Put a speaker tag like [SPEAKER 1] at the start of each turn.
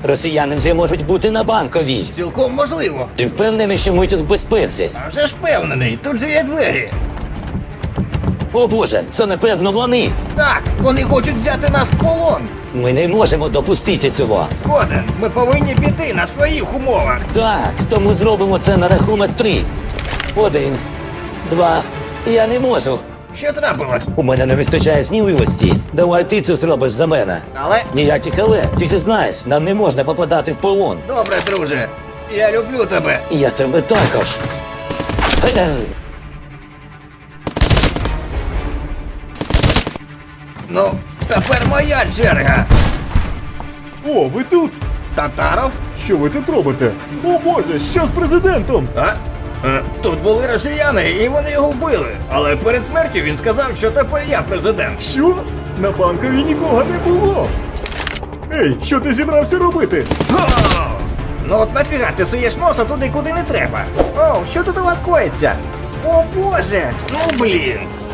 [SPEAKER 1] Росіяни вже можуть бути на Банковій.
[SPEAKER 2] Цілком можливо.
[SPEAKER 1] Ти впевнений, що ми тут в безпеці?
[SPEAKER 2] А вже ж впевнений, тут же є двері.
[SPEAKER 1] О Боже, це напевно вони.
[SPEAKER 2] Так, вони хочуть взяти нас в полон.
[SPEAKER 1] Ми не можемо допустити цього.
[SPEAKER 2] Згоден, ми повинні піти на своїх умовах.
[SPEAKER 1] Так, тому зробимо це на рахунок 3. 1, 2. Я не можу.
[SPEAKER 2] Що трапилось?
[SPEAKER 1] У мене не вистачає сміливості. Давай ти це зробиш за мене.
[SPEAKER 2] Але...
[SPEAKER 1] Ніяких але. Ти ж знаєш, нам не можна попадати в полон.
[SPEAKER 2] Добре, друже. Я люблю тебе.
[SPEAKER 1] І я тебе також.
[SPEAKER 2] Ну, тепер моя черга.
[SPEAKER 3] О, ви тут?
[SPEAKER 2] Татаров?
[SPEAKER 3] Що ви тут робите? О Боже, що з президентом?
[SPEAKER 2] А? Тут були росіяни, і вони його вбили. Але перед смертю він сказав, що тепер я президент.
[SPEAKER 3] Що? На Банковій нікого не було. Ей, що ти зібрався робити?
[SPEAKER 2] О! Ну от нафіга ти суєш носа туди, куди не треба. О, що тут у вас коїться? О Боже! Ну блін!